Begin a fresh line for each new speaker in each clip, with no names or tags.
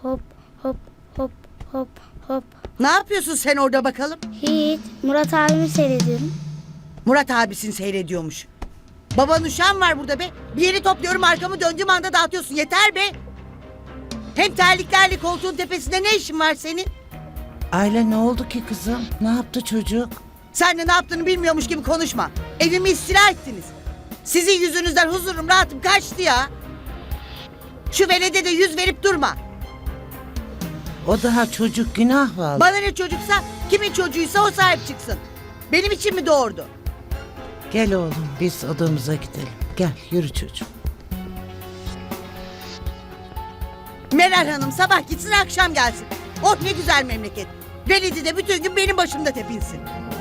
hop hop hop hop hop.
Ne yapıyorsun sen orada bakalım?
Hiç. Murat abimi seyrediyorum.
Murat abisini seyrediyormuş. Baban uşağın var burada be. Bir yeri topluyorum, arkamı döndüğüm anda dağıtıyorsun. Yeter be. Hem terliklerle koltuğun tepesinde ne işin var senin?
Ayla ne oldu ki kızım? Ne yaptı çocuk?
Sen de ne yaptığını bilmiyormuş gibi konuşma. Evimi istila ettiniz. Sizin yüzünüzden huzurum, rahatım kaçtı ya. Şu velede de yüz verip durma.
O daha çocuk, günah vallahi.
Bana ne çocuksa, kimin çocuğuysa o sahip çıksın. Benim için mi doğurdu?
Gel oğlum biz odamıza gidelim. Gel yürü çocuğum.
Meral Hanım sabah gitsin, akşam gelsin. Oh ne güzel memleket. Veledi de bütün gün benim başımda tepinsin.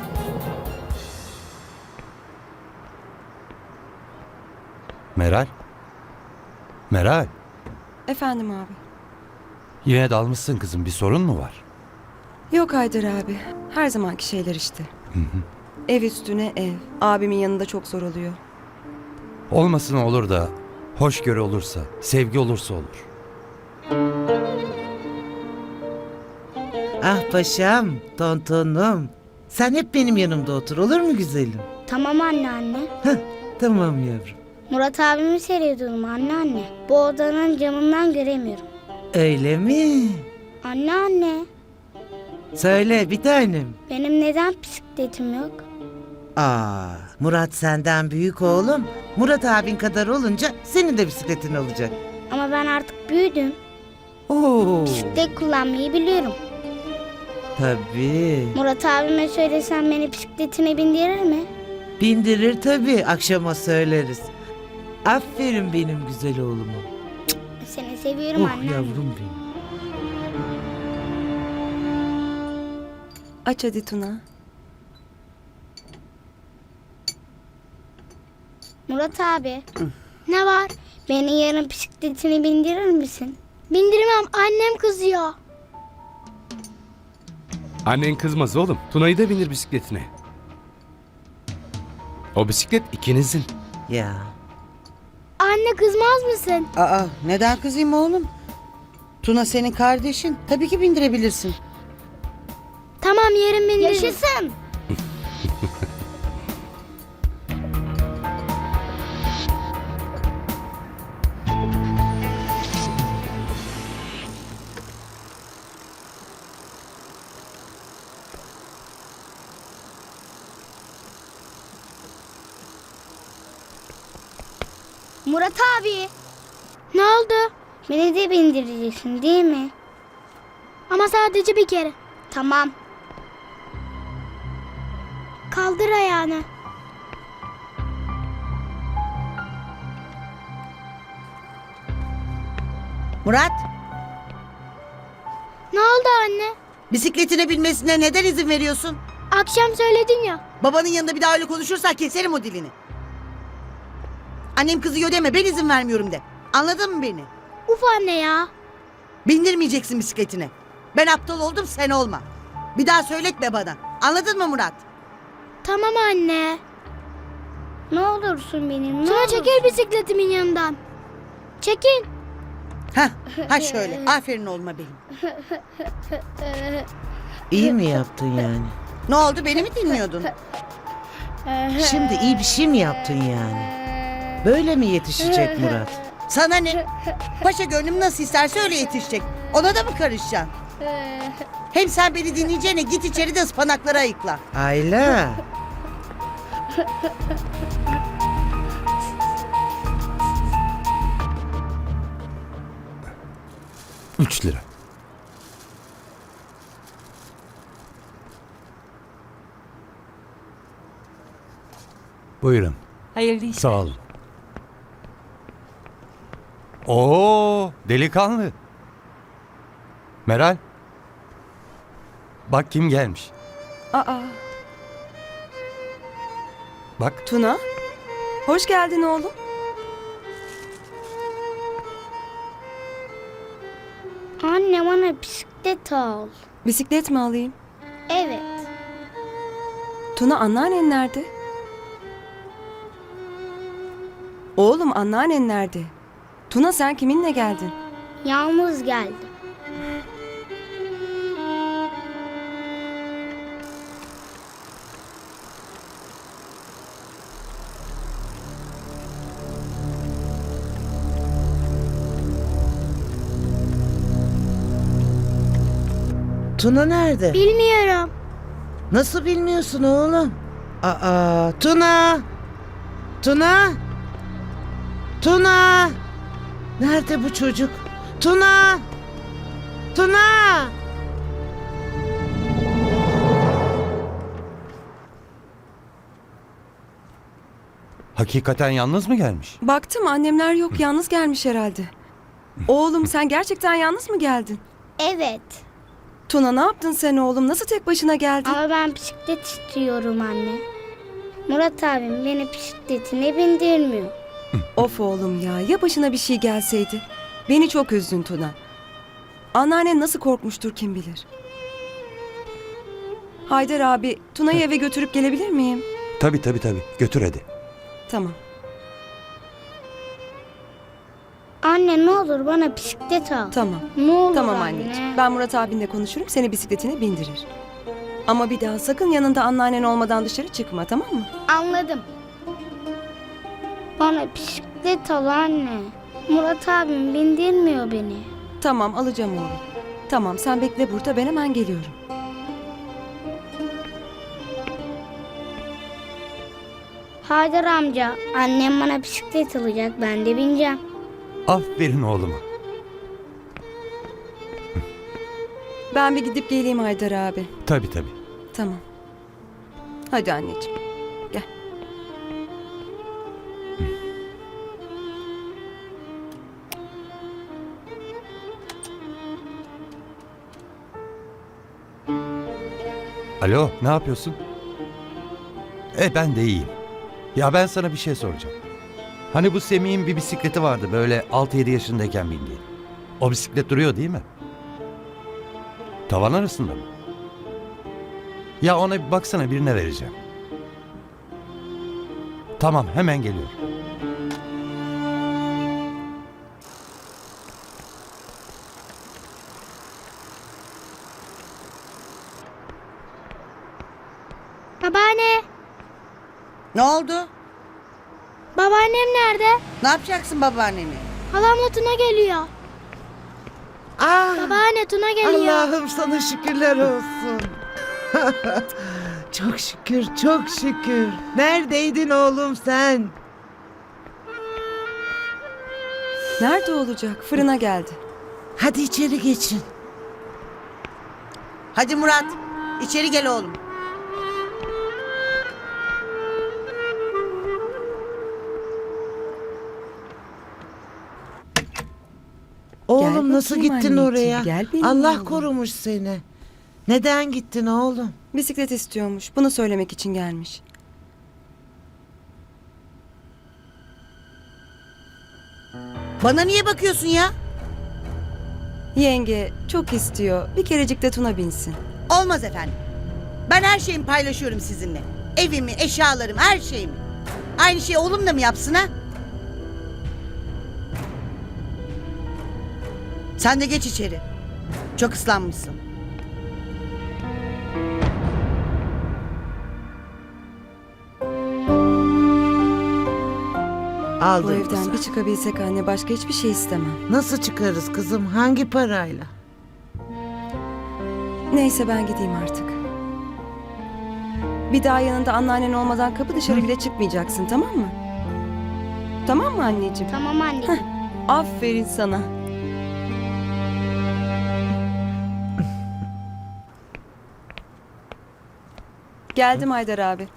Meral? Meral,
Efendim abi.
yine dalmışsın kızım. Bir sorun mu var?
Yok Haydar abi. Her zamanki şeyler işte. Ev üstüne ev. Abimin yanında çok zor oluyor.
Olmasın olur da, hoşgörü olursa, sevgi olursa olur.
Ah paşam, tontonum. Sen hep benim yanımda otur, olur mu güzelim?
Tamam anne.
Heh, tamam yavrum.
Murat abimi seyrediyorum anne. Bu odanın camından göremiyorum.
Öyle mi?
Anne.
Söyle bir tanem.
Benim neden bisikletim yok?
Murat senden büyük oğlum. Murat abin kadar olunca senin de bisikletin olacak.
Ama ben artık büyüdüm.
Oo,
Bisiklet kullanmayı biliyorum.
tabii.
Murat abime söylesem beni bisikletine bindirir mi?
Bindirir tabii, akşama söyleriz. Aferin benim güzel oğluma.
Seni seviyorum
Oh
anne.
yavrum benim.
Aç hadi Tuna.
Murat abi. Ne var? Beni yarın bisikletine bindirir misin? Bindirmem, annem kızıyor.
Annen kızmaz oğlum. Tuna'yı da binir bisikletine. O bisiklet ikinizin.
Ya.
Anne kızmaz mısın?
Neden kızayım oğlum? Tuna senin kardeşin. Tabii ki bindirebilirsin.
Tamam yarın bindiririz. Yaşasın. Murat abi. Ne oldu? Beni de bindireceksin değil mi? Ama sadece bir kere. Tamam. Kaldır ayağını.
Murat,
Ne oldu anne?
bisikletine binmesine neden izin veriyorsun?
Akşam söyledin ya.
Babanın yanında bir daha öyle konuşursan keserim o dilini. Annem kızıyor deme, ben izin vermiyorum de. Anladın mı beni?
Uf anne ya.
Bindirmeyeceksin bisikletine. Ben aptal oldum, sen olma. Bir daha söyletme bana. Anladın mı Murat?
Tamam anne. Ne olursun benim, Tuna çekil bisikletimin yanından. Çekil.
Ha şöyle. Aferin oğluma benim.
İyi mi yaptın yani?
Ne oldu, beni mi dinliyordun?
Şimdi iyi bir şey mi yaptın yani? Böyle mi yetişecek Murat?
Sana ne? Paşa gönlüm nasıl isterse öyle yetişecek. Ona da mı karışacaksın? Hem sen beni dinleyeceğine git içeri de ıspanakları ayıkla.
Ayla.
3 lira. Buyurun.
Hayırlı işler.
Sağ olun. Oo, delikanlı. Meral. Bak kim gelmiş.
Aa,
Bak.
Tuna. Hoş geldin oğlum.
Anne bana bisiklet al.
Bisiklet mi alayım?
Evet.
Tuna anneannen nerede? Oğlum anneannen nerede? Tuna sen kiminle geldin?
Yalnız geldim.
Tuna nerede?
Bilmiyorum.
Nasıl bilmiyorsun oğlum? Aa, Tuna! Tuna! Tuna! Nerede bu çocuk? Tuna! Tuna!
Hakikaten yalnız mı gelmiş?
Baktım annemler yok, yalnız gelmiş herhalde. Oğlum sen gerçekten yalnız mı geldin?
Evet.
Tuna ne yaptın sen oğlum? Nasıl tek başına geldin?
Ama ben bisiklet istiyorum anne. Murat abim beni bisikletine bindirmiyor.
Of oğlum ya başına bir şey gelseydi. Beni çok üzdün Tuna. Anneannen nasıl korkmuştur kim bilir. Haydar abi Tuna'yı eve götürüp gelebilir miyim?
Tabii. Götür hadi.
Tamam.
Anne ne olur bana bisiklet al.
Tamam.
Ne olur
Tamam
anne.
anneciğim. Ben Murat abinle konuşurum, seni bisikletine bindirir. Ama bir daha sakın yanında anneannen olmadan dışarı çıkma, tamam mı?
Anladım. Bana bisiklet al anne. Murat abim bindirmiyor beni.
Tamam, alacağım oğlum. Tamam, sen bekle burada, ben hemen geliyorum.
Haydar amca, annem bana bisiklet alacak, ben de bineceğim.
Aferin oğluma.
Ben bir gidip geleyim Haydar abi.
Tabii.
Tamam. Hadi anneciğim. Gel.
Alo, ne yapıyorsun? Ben de iyiyim. Ya ben sana bir şey soracağım. Hani bu Semih'in bir bisikleti vardı böyle 6-7 yaşındayken bindiği. O bisiklet duruyor değil mi? Tavan arasında mı? Ya ona bir baksana, birine vereceğim. Tamam, hemen geliyorum.
Babaanne,
Ne oldu?
babaannem nerede?
Ne yapacaksın babaannemi?
Halamla Tuna geliyor.
Ah,
Babaanne Tuna geliyor.
Allah'ım sana şükürler olsun. Çok şükür, çok şükür. Neredeydin oğlum sen?
Nerede olacak? Fırına geldi.
Hadi içeri geçin.
Hadi Murat, içeri gel oğlum.
Oğlum nasıl
bakayım
gittin
anneciğim,
oraya?
gel benim
Allah
oğlum.
korumuş seni. Neden gittin oğlum?
Bisiklet istiyormuş. Bunu söylemek için gelmiş.
Bana niye bakıyorsun ya?
Yenge çok istiyor. Bir kerecik de Tuna binsin.
Olmaz efendim. Ben her şeyimi paylaşıyorum sizinle. Evimi, eşyalarımı, her şeyimi. Aynı şeyi oğlum da mı yapsın ha? Sen de geç içeri. Çok ıslanmışsın.
Bu
Aldın
evden
kızım.
bir çıkabilsek anne, başka hiçbir şey istemem.
Nasıl çıkarız kızım? Hangi parayla?
Neyse ben gideyim artık. Bir daha yanında anneannen olmadan kapı dışarı bile çıkmayacaksın, tamam mı? Tamam mı anneciğim?
Tamam anneciğim.
Aferin sana. Geldim Haydar abi.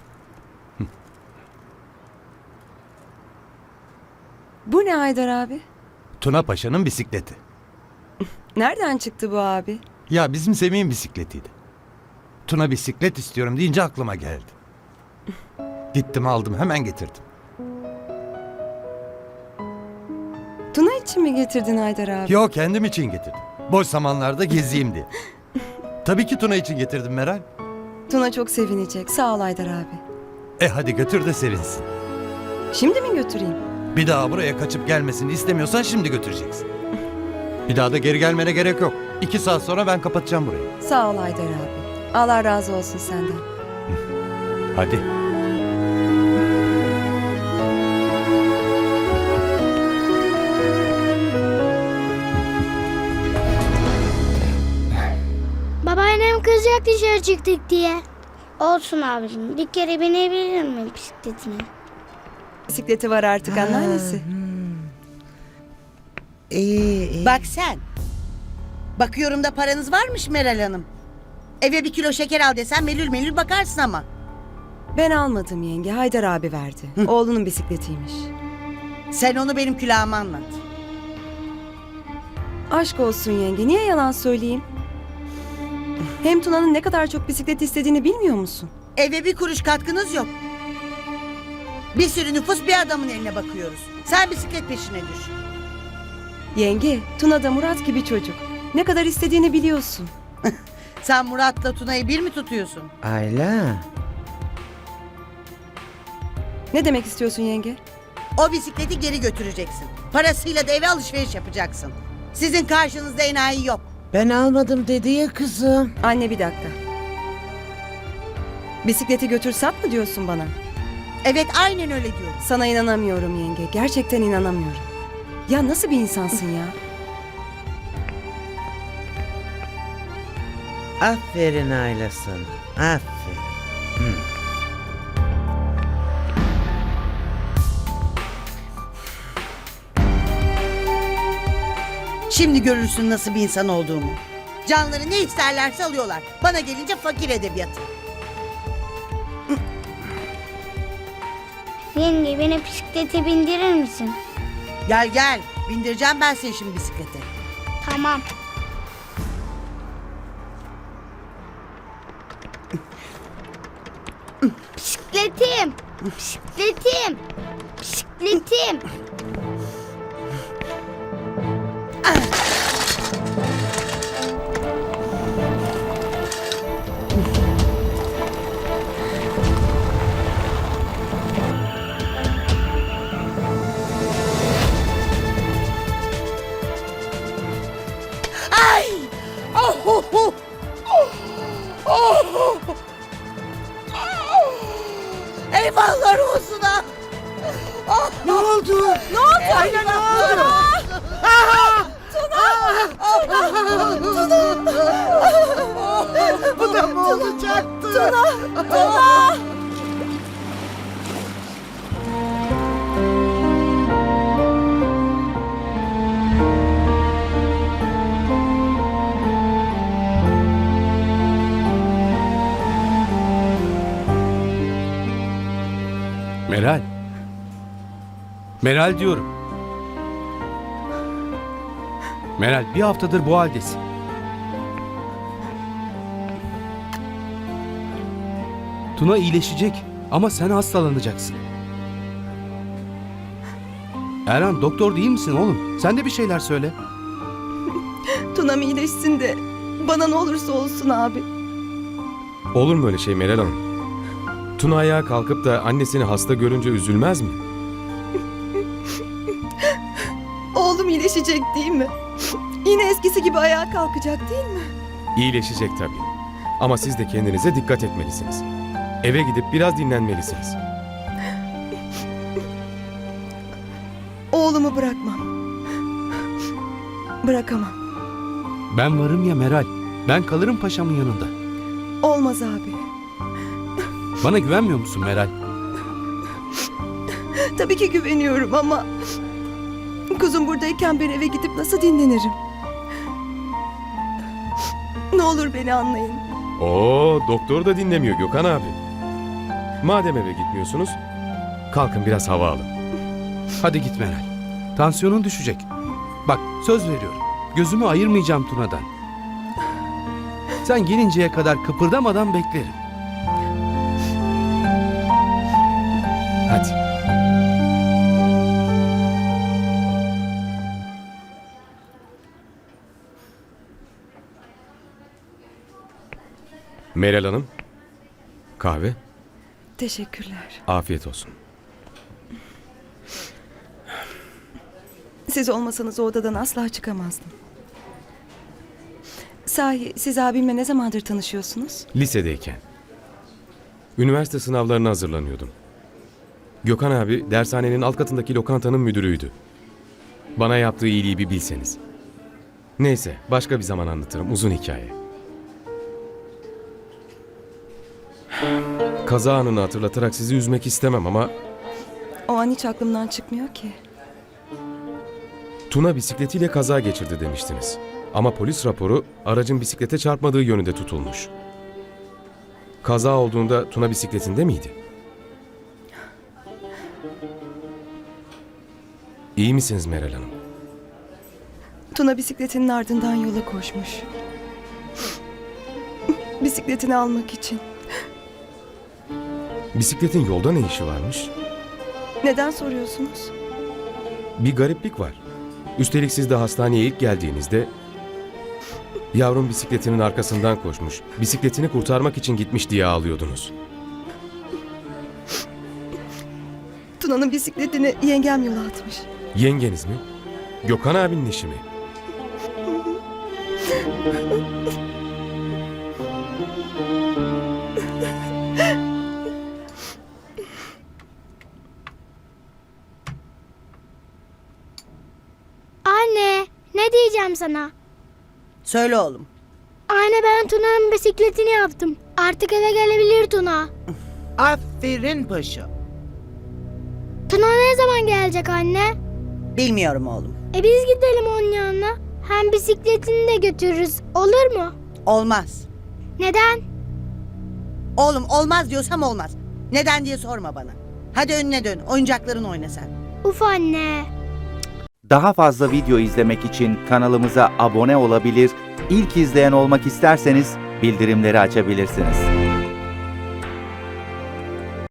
Bu ne Haydar abi?
Tuna Paşa'nın bisikleti.
Nereden çıktı bu abi?
Ya bizim Semih'in bisikletiydi. Tuna bisiklet istiyorum deyince aklıma geldi. Gittim aldım, hemen getirdim.
Tuna için mi getirdin Haydar abi?
Yo, kendim için getirdim. Boş zamanlarda gezeyim diye. Tabii ki Tuna için getirdim Meral.
Tuna çok sevinecek. Sağ ol Haydar abi.
Hadi götür de sevinsin.
Şimdi mi götüreyim?
Bir daha buraya kaçıp gelmesini istemiyorsan şimdi götüreceksin. Bir daha da geri gelmene gerek yok. 2 saat sonra ben kapatacağım burayı.
Sağ ol Haydar abi. Allah razı olsun senden.
Hadi.
Babaannem kızacak dışarı çıktık diye. Olsun abicim. Bir kere binebilir miyim bisikletine?
Bisikleti var artık anneannesi.
İyi.
Bak sen. Bakıyorum da paranız varmış Meral Hanım. Eve 1 kilo şeker al desem melül melül bakarsın ama.
Ben almadım yenge. Haydar abi verdi. Oğlunun bisikletiymiş.
Sen onu benim külahıma anlat.
Aşk olsun yenge. Niye yalan söyleyeyim? Hem Tuna'nın ne kadar çok bisiklet istediğini bilmiyor musun?
Eve 1 kuruş katkınız yok. Bir sürü nüfus bir adamın eline bakıyoruz. Sen bisiklet peşine düş.
Yenge, Tuna da Murat gibi çocuk. Ne kadar istediğini biliyorsun.
Sen Murat'la Tuna'yı bir mi tutuyorsun?
Ayla.
Ne demek istiyorsun yenge?
O bisikleti geri götüreceksin. Parasıyla da eve alışveriş yapacaksın. Sizin karşınızda enayi yok.
Ben almadım dedi ya kızım.
Anne bir dakika. Bisikleti götür sat mı diyorsun bana?
Evet aynen öyle diyorum.
Sana inanamıyorum yenge. Gerçekten inanamıyorum. Ya nasıl bir insansın ya?
Aferin Ayla sana. Aferin.
Şimdi görürsün nasıl bir insan olduğumu. Canları ne isterlerse alıyorlar. Bana gelince fakir edebiyatı.
Yenge beni bisiklete bindirir misin?
Gel gel. Bindireceğim ben seni şimdi bisiklete.
Tamam. Bisikletim. Bisikletim. Bisikletim.
Ay! Oh, oh, oh. Oh, oh, oh. Eyvahlar olsun ha. Ne oldu? Ne oldu? Aynen ne oldu? Bu da mı olacaktı?
Meral. Meral diyorum. Meral bir haftadır bu haldesin. Tuna iyileşecek ama sen hastalanacaksın. Erhan doktor değil misin oğlum? Sen de bir şeyler söyle.
Tuna'm iyileşsin de bana ne olursa olsun abi.
Olur mu öyle şey Meral Hanım? Tuna ayağa kalkıp da annesini hasta görünce üzülmez mi?
Oğlum iyileşecek değil mi? Yine eskisi gibi ayağa kalkacak değil mi?
İyileşecek tabii. Ama siz de kendinize dikkat etmelisiniz. Eve gidip biraz dinlenmelisiniz.
Oğlumu bırakmam. Bırakamam.
Ben varım ya Meral. Ben kalırım paşamın yanında.
Olmaz abi.
Bana güvenmiyor musun Meral?
Tabii ki güveniyorum ama... Kuzum buradayken ben eve gidip nasıl dinlenirim? Ne olur beni anlayın.
Oo, doktor da dinlemiyor Gökhan abi. Madem eve gitmiyorsunuz, kalkın biraz hava alın.
Hadi git Meral. Tansiyonun düşecek. Bak söz veriyorum. Gözümü ayırmayacağım Tuna'dan. Sen gelinceye kadar kıpırdamadan beklerim. Hadi.
Meral Hanım, kahve,
Teşekkürler.
afiyet olsun.
Siz olmasanız o odadan asla çıkamazdım. Sahi siz abimle ne zamandır tanışıyorsunuz?
Lisedeyken. Üniversite sınavlarına hazırlanıyordum. Gökhan abi dershanenin alt katındaki lokantanın müdürüydü. Bana yaptığı iyiliği bir bilseniz. Neyse başka bir zaman anlatırım, uzun hikaye. Kaza anını hatırlatarak sizi üzmek istemem ama
O an hiç aklımdan çıkmıyor ki.
Tuna bisikletiyle kaza geçirdi demiştiniz. Ama polis raporu aracın bisiklete çarpmadığı yönünde tutulmuş. Kaza olduğunda Tuna bisikletinde miydi? İyi misiniz Meral Hanım?
Tuna bisikletinin ardından yola koşmuş. Bisikletini almak için.
Bisikletin yolda ne işi varmış?
Neden soruyorsunuz?
Bir gariplik var. Üstelik siz de hastaneye ilk geldiğinizde yavrum bisikletinin arkasından koşmuş, bisikletini kurtarmak için gitmiş diye ağlıyordunuz.
Tuna'nın bisikletini yengem yola atmış.
Yengeniz mi? Gökhan abinin işi mi?
Anne, ne diyeceğim sana?
Söyle oğlum.
Anne, ben Tuna'nın bisikletini yaptım. Artık eve gelebilir Tuna.
Aferin paşa.
Tuna ne zaman gelecek anne?
Bilmiyorum oğlum.
Biz gidelim onun yanına. Hem bisikletini de götürürüz. Olur mu?
Olmaz.
Neden?
Oğlum olmaz diyorsam olmaz. Neden diye sorma bana. Hadi önüne dön. Oyuncakların oyna sen.
Uf anne.
Daha fazla video izlemek için kanalımıza abone olabilir, ilk izleyen olmak isterseniz bildirimleri açabilirsiniz.